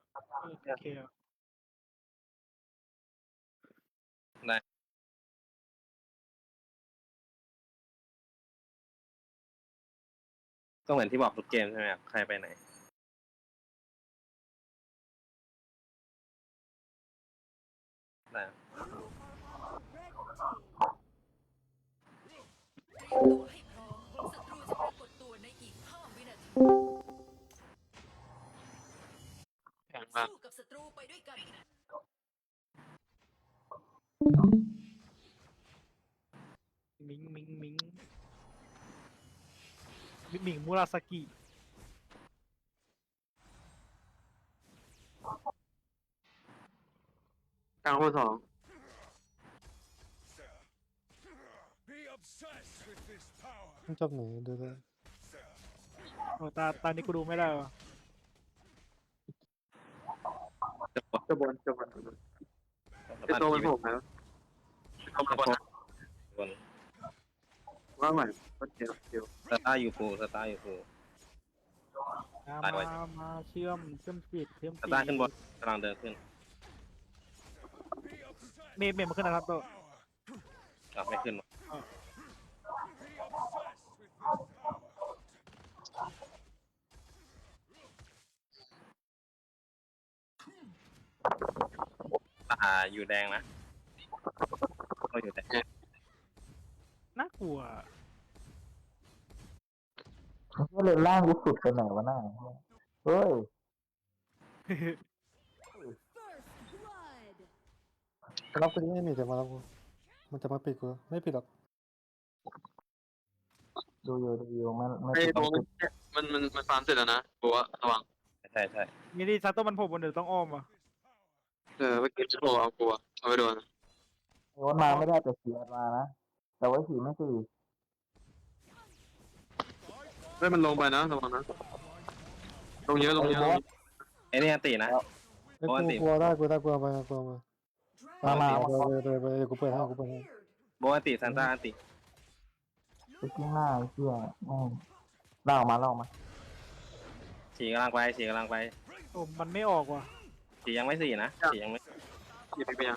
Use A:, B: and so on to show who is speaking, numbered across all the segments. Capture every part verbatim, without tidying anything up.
A: เออโอเคอะ
B: ได้ก็เหมือนที่บอกทุกเกมใช่ไหมครับใครไปไหนได้ครับ
C: เตรียมตัวให้พร้อมศัตรูจะปรากฏตัวในอีกห้าวินาที
D: แข็งมาก
C: สู้กับศัตรูไปด้วยกัน
A: มิงมิงมิงมิงมิงมูราสกิ
D: กลางคนสอง
E: Be obsessed with this power.
F: มันจบไหนดูเลย
A: โอ้ตาตานี้กูดูไม่ได้วะ
B: จะบอก
D: จะบนจะบนไอ
B: จะ
D: ตัว
B: ปั
D: มัน
B: น
D: โผมนะเอามาบนนะ
B: บน
D: ว่าใหม่ก็เดียวเดียว
B: สตาร์ยูฟูสตาร์ยูฟู
A: มา
B: ตายไว้
A: มามาเชื่อมเชื่อมปีดเชื่อม
B: ส
A: ปี
B: ตาร์ขึ้นบนกำลังเดินขึ้น
E: Be obsessed
A: เมย์เมย์มาขึ้นนะครับโต
E: power.
B: กลับไม่ขึ้น
E: Be obsessed with this power.
B: ตาอยู่แดงนะก็อยู่แดง
A: น่ากลัว
G: ก็เลยล่างกูสุดไปไหนวะหน้าเฮ้ย
F: รับกูที่ไม่มีแต่มารับกูมันจะมาปิดกูไม่ปิดหรอก
G: ดูอยู่ดูอยู่มันไม่
D: ไอ
G: ติด
D: ตัวมันมันมันฟาร์มเสร็จแล้วนะบอกว่าระวัง
B: ใช่ใช่
A: มีดีซัตโตมันโผล่บนเดี๋ยวต้องอ้อมว่ะ
D: เออเมื่อกี้จะบอกเอากลัวเอาไปโดน
G: โอนมาไม่ได้แต่เสียมานะแต่ว่าสีไม่สี่
D: เฮ้ยมันลงไปนะระวังนะลงเยอะลงเยอะลงเยอะ
B: ไอ้นี่ตีนะ
F: ไอ้
B: โอ้
F: กู
B: อันติ
F: กลัวได้กูได้กลัวไปกลัวมา
G: มามา
F: ไป
G: มา
F: ไปไปไปกูเปิดให้กูเปิดให้
B: โบอันติซันต้าอันติ
G: ไปที่หน้าไอ้เชี่ยแม่งล่าออกมาล่าออกมา
B: ฉีกำลังไปฉีกำลังไป
A: โอ้มันไม่ออกว่ะ
B: ฉียังไม่สี่นะฉียังไม่
D: หยิบไปยัง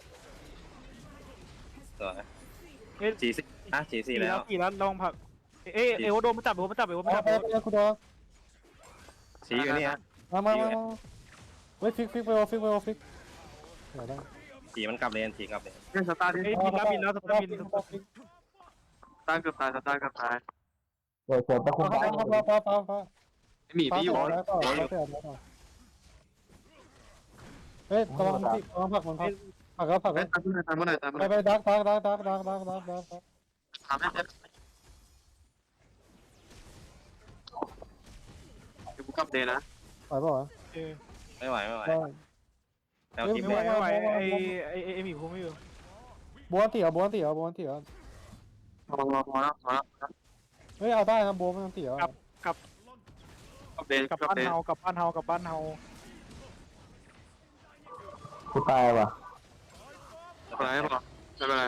B: สวย
A: เอ๊ะ
B: ฉีสี่นะฉีสี่แล้ว
A: กี่แล้วลองผักเอ๊ะเอโวโดนมันจับเอโวมันจับเอโวมัน
F: ไป
A: จับ
F: ไปไปกูโดน
B: ฉีอยู่นี่ฮะ
F: มามามาเฮ้ยฟิกฟิกไปโอฟิกไปโอฟิกเดี๋ยวได้
B: ฉีมันกลับเลนฉีกลับเลน
D: เล่นสตาร์ทดิ
A: เอ้ยบินแล้วบินแล้วสตาร์บิน
D: สตาร์ทเกือบตายสตาร์ทเกือบตาย
G: เดี๋ยวเกิดตะคุ่ม
F: ฟ้า
G: ได้
F: ฟ้าฟ้าฟ้าฟ้าฟ้า
D: ไอหมีพี่อยู่
F: ฟ้าแล้วก็ฟ้าเสียแล้วก็เฮ้ยกำลังที่กำลังผักมันผักผักแล้วผัก
D: เฮ้
F: แล้
D: ยว ตามเมื่อไหร่ตามเมื่อไหร่ตามเมื่อ
F: ไป
D: ไหร่
F: ไปดักดักดักดักดักดักดักดักดัก
D: ตามให้เจ็บเดี๋ยวกูกลับเดย์นะ
F: ไปป่าวะ
A: เออ
B: ไม่ไหวไม่ไหว
F: ได้
B: แล้วทีม
A: ไม่
B: เล
A: ไหวย ไม่ไหว
F: ไม่ไหว
A: ไอไอไอไอหมีพูไม่อยู่
F: บัวตีอ่ะบัวตีอ่ะบัวตีอ่ะ
D: พอพอแล้วพอแล้ว
F: เฮ้ยเอาได้นะบัวไม่ต้องตีอ่ะ
D: กลับเดย์
A: กลับ
D: กลับ
A: บ้าน
D: เดย์
A: เฮากลับบ้านเฮากลับบ้านเฮา
G: กูตายว่ะ
D: ไม่เป็นไรไม่เป็นไร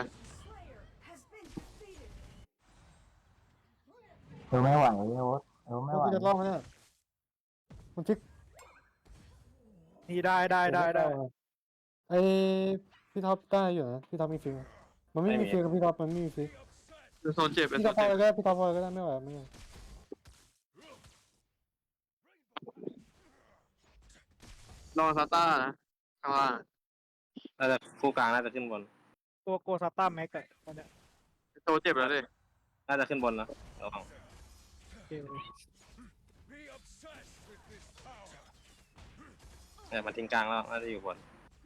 G: เออไม่ไหวโอ๊ตเออไม่ไหว
F: กูจะล่องเนี่ยมันฟิก
A: นี่ได้ได้ได้ได้
F: ไอพี่ท็อปได้อยู่นะพี่ท็อปมีฟิกมันไม่มีฟิกกับพี่ท็อปมันไม่มีฟิก
D: เป็นโซนเจ็บเป็น
F: พี่
D: โซ
F: ท็อน ปพอ
D: เจ็บ
F: ก็ได้พี่ท็อปพอก็ได้ไม่ไหวไม่ไหว
D: รอสตาร์นะข้างล่าง
B: น่าจะคู่กลางน่าจะขึ้นบน
A: ตัวโกซาต้าแม็กอะตอนเนี้ย
D: โซเจ็บแล้วดิ
B: น่าจะขึ้นบนนะระวัง
A: เออ
E: Be obsessed with this power.
B: เนี่ยมันทิ้งกลางแล้วน่าจะอยู่บน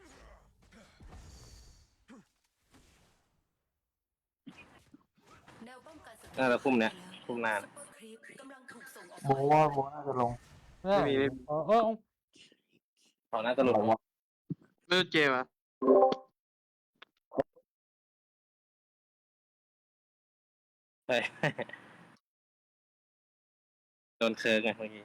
C: แนวป้องกันศัตรู
B: น่าจะคุ้มเนี่ยคุ้มหน้า
C: ซุปเปอร์ครีปกำลังถูกส่งออก
G: โบัวโบัวน่าจะลง
F: ไม่ได้เออเออ
B: เขาน่าจะหลุด
D: ไม่รู้เจมอะ
B: ใช่โดนเคิร์กไงเมื่อกี้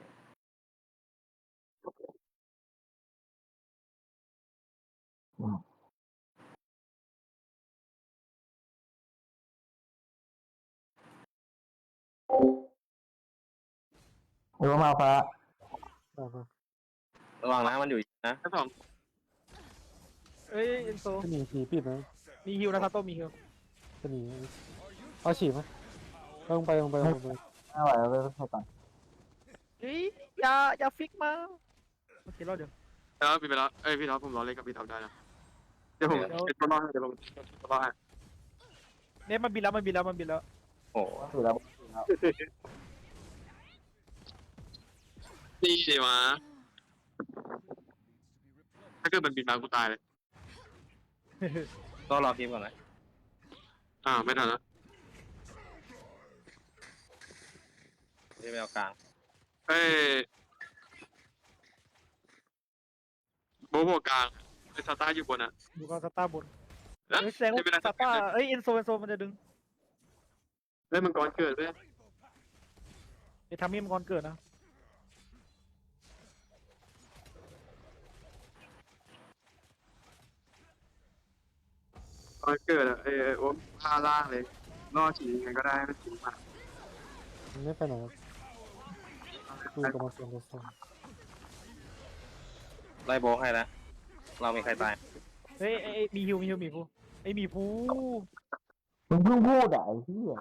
G: เออมาฟ้า
F: ได้ปะ
B: ระวังนะมันอยู่นะ
D: แค่สอง
A: เอ้ยเอ็นโซ
F: จะหนีผีปิดนะ
A: มีฮิวนะซาโต้มีฮิว
F: จะหนีเอาฉีดไหมลงไปลงไปลงไป
G: ไม่ไหวแล้วเลยไปก่อน
A: เฮ้ยอย่าอย่าฟิกมาโอเครอดเดี๋ยว
D: แล้วพี่ไปแล้วเอ้ยพี่ท็อปผมรอเล่นกับพี่ท็อปได้นะเดี๋ยวผมเป็นตัวรอดให้เดี๋ยวผมตัวรอดให้
A: เนี่ยมันบินแล้วมันบินแล้วมันบินแล้ว
B: โอ้โห
G: ถือแล้วถือแล้ว
D: นี่ดีวะถ้าเกิดมันบินมากูตายเลย
B: ก็รอคลิปก่อนนะ
D: อ่าไม่ทันแล้ว
B: ที่ไปเอากลาง
D: เอ้ยโบโบกลางไอ้ซาต้าอยู่บนอ่ะ
A: ดูก็สตาร์บน
D: แล้ว
A: เฮ้ยแสดงว่า
D: ไม่เป็นไร
A: สตาร์เอ้ยเอ็นโซเอ็นโซมันจะดึง
D: เล่นมังกรเกิดเว้ย
A: ไอ้ทามี่มันก่อนเกิดนะ
D: มังกรเกิดอ่ะเอ้ยโอ้พาล่างเลยล่อฉียังไงก็ได้ไม่ฉีมา
F: มันไม่ไปไหนครับดูกับมาเซียนโดซอน
B: ไล่โบกให้แล้วเรามีใครตาย
A: เฮ้ยเอ้ยเอ้ยมีฮิวมีฮิวมีฟูไอ้ยมีฟู
G: มึงเพิ่งพูดอ่ะไอ้เหี้ย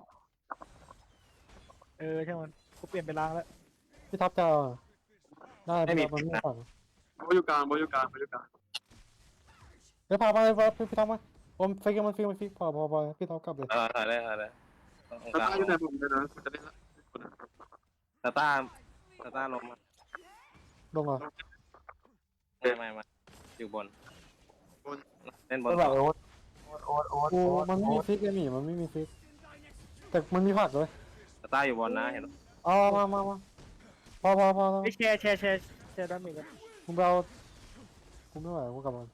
A: เออใช่มันกูเปลี่ยนไปล้างแล้ว
F: พี่ท็อปจะเอาได้พี่ท็อปมันไม่ฝัง
D: โบอยู่กลางโบอยู่กลางโบอยู่กลาง
F: เดี๋ยวพาไปพาพี่ท็อปมาผมฟิกมันฟิกมันฟิกพอพอพอพี่ท็อปกลับเลย
B: เออถ่ายได้ถ่ายได้ตรง
D: ซาก
B: ลาง
D: ต้าอยู่ในผมเลยนะกูจะเล่นละ
B: ตาต้าตาต้าลงมา
F: ลงเหรอ
B: ไม่ไม่ไม่อยู่บนเล่นบน
G: ไม่ไหว
B: ต่อ
G: โอ๊ตโอ๊ตโอ๊ต
F: กู
G: โอ๊ต
F: มันไม่มีฟิกไอ้หมีมันไม่มีฟิกแต่มันมีผักเลย
B: ตาต้าอยู่บนนะเห็น
F: เอามามามาพอพอพอ
A: ไอ้ยแชร์แชร์แชร์แชร์ด้านหนึ่งกัน
F: กูไปเอากูไม่ไหวกูกลับมา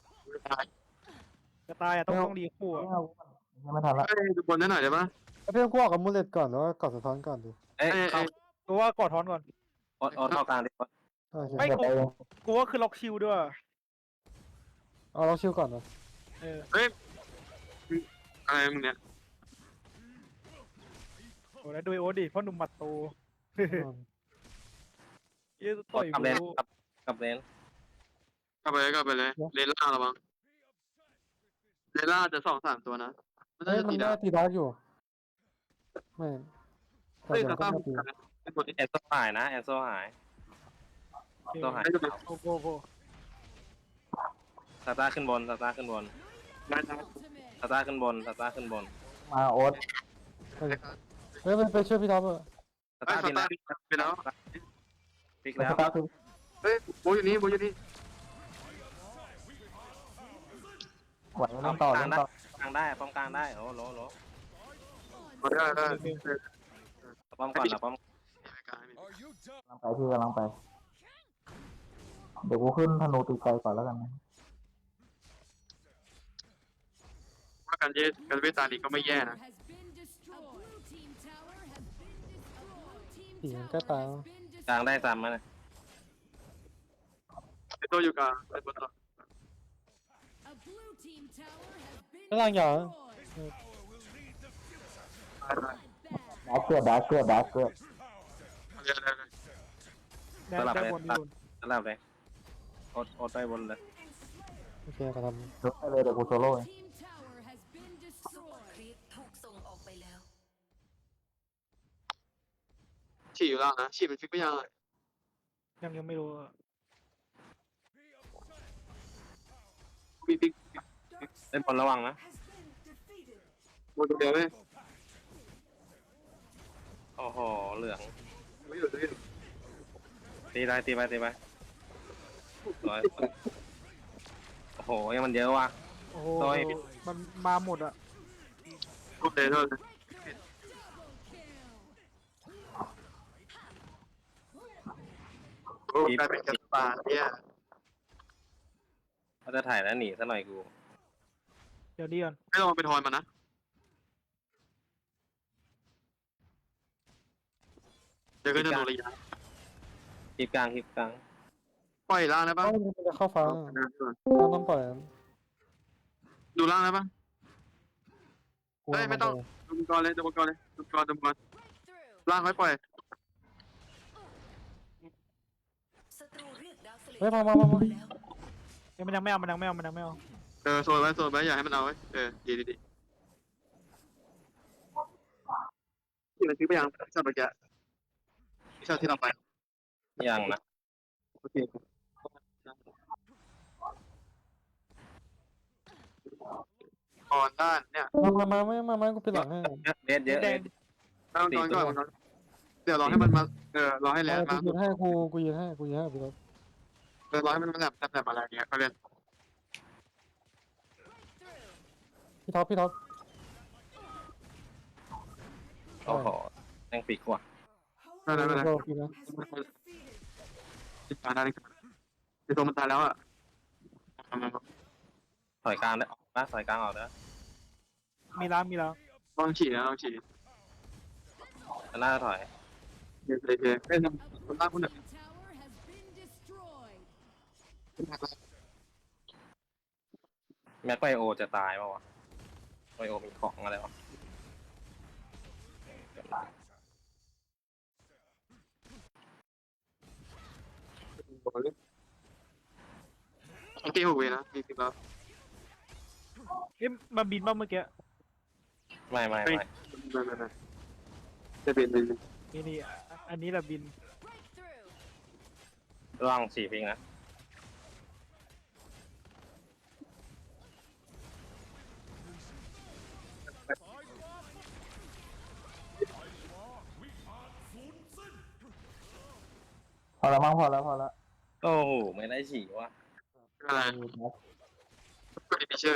A: จะตายอ่ะต้องต้องดีคู่อ่ะ
G: ไม่เอายังไม่ทันละ
D: เอ้ยดูบนได้หน่อยได้ปะ
F: เอาพี่ต้องกูออกกับมูเลตก่อนแล้วก็กอดสะท้อนก่อนดิ
B: เอ้ย
D: เอ้ย
B: เข้า
D: เอ้ย
A: กูว่ากอดทอนก่อน
B: โอ๊ตโอ๊ตเข้ากลางดิ
F: โอเค
A: ไม่
G: เดี๋ยวไปเอง
A: กูว่าคือล็อกชิลด้วย
F: เอาเราชิวก่อนนะ
A: เออ
D: อะไรมึงเนี่ย
A: โอ้แล้วดูไอ้โอ๊ตดิพ่อหนุ่มหมัดโตเยี่ย
B: โอ๊
A: ต่อ
B: ต
A: ย
B: กลับเลน
A: กู
B: กลับกลับเลน
D: กลับไปเลยกลับไปเลยเลนล่างระวังเลนล่างจะสองสามตัวนะไม่ต้อ
F: เฮ้
D: ง
F: ย
D: จะ
F: มัน
D: ตี
F: ได้
D: ดาว
F: ตีดาร์กอยู่ไม่แต่
D: เฮ้ย
F: เดี๋ย
D: ซาว
F: ก็
D: ต้า
F: มาตี
D: เป็นบน
B: แอนโซหายนะแอนโซหายโซหาย
A: โอ้โหโอ้โห
B: ตาต้าขึ้นบนตาต้าขึ้นบน
D: ได้ได้
B: ตาต้าขึ้นบนตาต้าขึ้นบน
G: มาโอ๊ต
F: เฮ้ยเฮ้ยไปไปช่วยพี่ท็อปเถอะ
B: ตา
D: เฮ้
B: ต้าย
D: ซา
B: บิน
D: ต้า
B: แล้ว
D: ไปแล้ว
B: พลิกแล้ว
G: ตาคือ
D: เฮ้ยโบอยู่นี่โบอยู่นี่
G: ไหวเล่นต่อเล่นต่อก
B: ลางได้ป้อมกลางได้โอ้โหโห
D: มาได้ได้
B: ป้อมก่อนนะป้อม
E: Are you done?
G: กำลังไปพี่กำลังไป เดี๋ยวกูขึ้นธนูตีไกลก่อนแล้วกันนะ
D: ว่าการเยการเวทตาลีก็ไม่แย่นะ
F: ผีมันก็ตายแล้ว
B: กลางได้ซ้ำมั้ยนะ
D: ไอตัวอยู่กลางไอตัวต่อ
F: แล้วล่างยาว
G: ดาร์กเกอร์ดาร์กเกอร์ดาร์กเกอร์
D: เรียนอะไร
A: แดงด้านบนด้านบน
B: สลับเลยโอ๊ตโอ๊ตไปบนเลย
F: โอเคก็ท
G: ยกไปเลยเดี๋ยวกูโซโล่เอง
C: คลิปถูกส่งออกไปแล้ว
D: ฉี่อยู่ล่างนะฉี่เป็นฟิกไม่ยัง
A: ยังยังไม่รู้อะ
D: มีฟิก
B: เล่นบนระวังนะ
D: โบตัวเดียวเลย
B: โอ้โหเหลือง
D: ไม่อยู่ไม่อยู่
B: ตีไปตีไปตีไปร้อยโอ้โหยังมันเยอะว่ะ
A: โอ้โห
B: ต่อย
A: มันมาหมดอ่ะ
D: โอเคเท่านั้นโอ้กลายเป็นกระปาเนี่ย
B: เขาจะถ่ายแล้วหนีซะหน่อยกู
A: เดี๋ยวดีก่อน
D: ไม่ต้องไปทอนมันนะเดี๋ยวก็จะโดนระยะ
B: คลิปกลางคลิปกลาง
D: ปล่อยล่างได้
F: ำ
D: ปะ
F: เอ้ามันจะเข้าฟ้าเราต้องปล่อย
D: ดูล่างได้ปะ
F: กู
D: เฮ้ยไม่ต้อง ดูมังกรเลยดูมังกรเลยดูมังกรดูมังกรล่างไว้ปล่อย
C: ศัตรูเรียกดาวเสล
F: เฮ้ยมามามามา
A: เอ้ยมันยังไม่เอามันยังไม่เอามันยังไม่เอา
D: เออโซนไว้โซนไว้อย่าให้มันเอาไว้เออดีดีดีที่เราซื้อไปยังชอบไปแกชอบที่เราไป
B: ยังนะ
D: โอเคก่อนด้านเนี่ย
F: มามามามามามากูเป็นหลังให้
B: เด็ดเยอะ
A: แด
B: เลย
A: ง
D: ต้องนอนก่อนนอนเดี๋ยวรอให้มันมาเออรอให้แล
F: เอน อ
D: มา
F: กูยืนให้กูกูยืนให้กูยืนให้พี่ท็อป
D: เออรอให้มันมาแบบแบบอะไรเงี้ยเขาเรียน
F: พี่ท็อปพี่ท็อป
B: โอ้โหแม่งปีกว่ะ
D: ไม่เป็นไรไม่เป็นไร
F: โดนพี่นะ
D: ติดตาได้เลยไอตัวมันตายแล้วอ่ะ
B: ถอยกลางได้ออกนะถอยกลางออกนะ
A: มีล้างมีล้าง
D: ลองฉีดนะลองฉีด
B: น่าจะถอย
D: เดี๋ยวเดี๋ยวเอ้ยคนล่างคนหนึ่ง
B: แม็กไบโอจะตายเปล่าวะไบโอมีของอะไรวะ
D: โอเคหกเวนะมีสิบแล้ว
A: เอ้ยมาบินบ้างเมื่อกี้
B: ไม่ไม่
D: ไม่
B: ไม่
D: ไม่ไม่ไม่จะเป็นเป็น
A: นี่นี่อ่ะอันนี้แหละบิน
B: ร่างสี่พิงนะ
G: พอแล้วมั้งพอแล้วพอแล้ว
B: โอ้โหไม่ได้ฉี่ว่ะ
D: อะไรก็ดีเชื่อ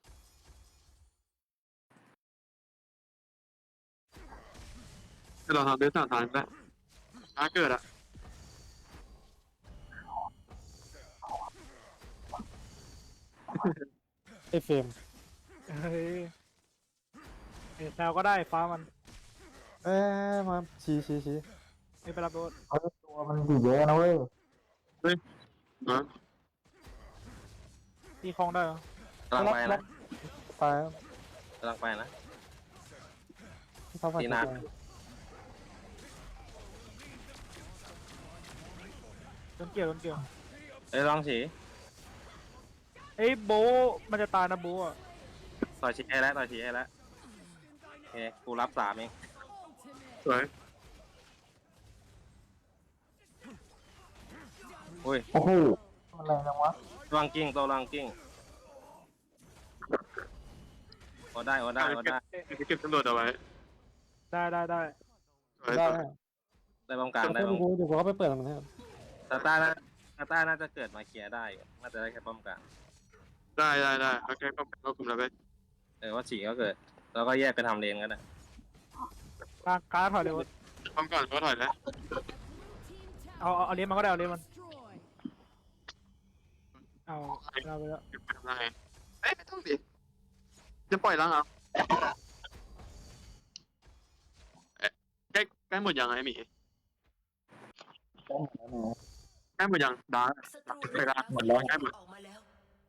D: จะลองทำเบสสามทางได้ถ้าเกิดอ่ะ
F: ไอ้เฟรม
A: เฮ้ยเอ้ยแซวก็ได้ฟ้ามัน
F: เอ้ยมาชี้ชี้ชี้
A: ไม่ไปรับรถ
G: เขาตัวมันดีเยอะนะเว้ย
D: นะ
A: ตีคลองได้เหรอก
B: ำลังไปนะ
F: ตายแล้ว
B: กำลังไปนะ
F: พี่ท็อปมา
B: ตีหน้า
A: โดนเกี่ยวโดนเกี่ยว
B: เอ้ยลองฉี่
A: เอ้ยโบะมันจะตายนะโบะอ่ะ
B: ต่อยฉี่ให้แล้วต่อยฉี่ให้แล้วโอเคกูรับสามเอง
D: สวย
B: อุ้ย
G: โอ้โหมันแรงจังวะ
B: ลองกิ้งตัวลองกิ้งโอ้ได้โอ้ได้โอ้ได้
D: เก็บตำรวจเอาไว้
A: ได้ได้ได้
D: สวย
F: ได้
D: สวย
B: ได้ป้องกันได้
F: เดี๋ยว
B: ป้อง
F: กูเดี๋ยวกูเข้าไปเปิดมันให้
B: ตาต้าน่าตาต้าน่าจะเกิดมาเคลียร์ได้อยู่น่าจะได้แค่ป้องกัน
D: ได้ได้ได้โอเคก็ก็กลุ่มแล้วไป
B: เออว่าฉี่ก็เกิดแล้วก็แยกไปทำเลนก็ได้
A: กลางกลางถอยเลยวะ
D: ป้องก่อนก็ถอยแล้ว
A: เอาเอาเอาเลี้ยงมันก็ได้เอาเลี้ยงมันเอาเอาไปแล้ว
D: เก็บไปทำไงเอ้ยไม่ต้องดิจะปล่อยล้างเอาใกล้ใกล้หมดยังไงหมีใกล้หมดยังดาร์
C: ศัตรู
D: ไปละ
C: หมด
D: แล้วใกล้หมด
C: ออกมาแล้ว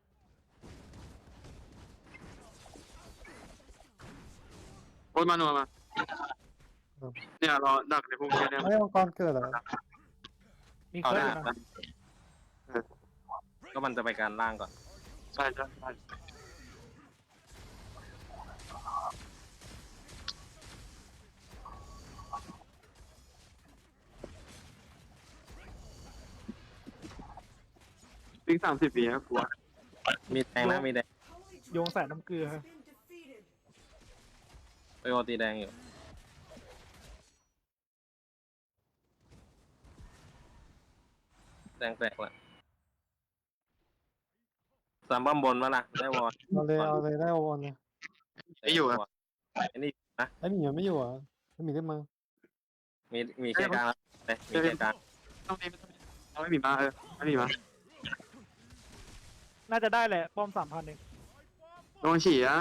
D: โอ้ยมาโนมาเนี่ยรอดักในพวกนี้เนี่ย
F: ไม่มังกรเกิดเหรอ
A: มี
B: เอา
A: เค
B: ห
A: รื่อ
B: น้าง
A: นะ
B: ก็มันจะไปการล่างก่อน
D: ใช่ใช่ใช่วิ่งสามสิบปีนะกลัว
B: มีแดงนะมีแดง
A: โยงใส่น้ำเกลือ
B: ไปโอตีแดงอยู่แดงแตกละสามบ้มบนมาล่ะได้วอล
F: เอาเลยเอาเลยได้โอนเลย
D: ไม่อยู่อะ
B: ไอ้นี่นะ
F: ไอ้หมีมันไม่อยู่อ่ะไอ้หมีได้มา
B: มีมีแค่กลางแล้วเลยมีแค่กลาง
D: ต้องมีไม่ต้องมีเอาไม่มีมาเออไม่มีมา
A: น่าจะได้แหละป้อมสามพันเอง
D: โดนฉี่อะ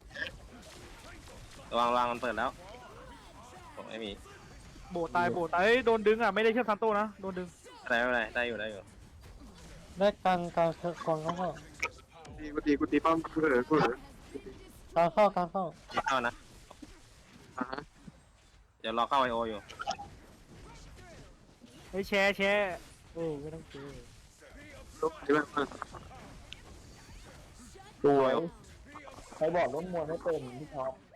B: ระวังระวังมันเปิดแล้วโอ้ไม่มี
A: โบะตายโบะตายเอ้ยโดนดึงอ่ะไม่ได้เชื่อมซันโต้นะโดนดึง
B: อะไรไม่เป็นไรได้อยู่ได้อยู่
F: ได้กลางกลางกองเข้าเข้า
D: ตีกูตีกูตีป้อมกูเหลือกูเหลือก
F: ลางเข้ากลางเข้า
B: มีเข้านะ
D: อ่าฮะ
B: เดี๋ยวรอเข้าไอโออยู่
A: เฮ้ยแชร์แชร์โอ้ไม่ต้องเจอ
D: ลุกที่แบบมัน
G: สวยใครบอกล้มมวยไม่เป็นพี่ท็อป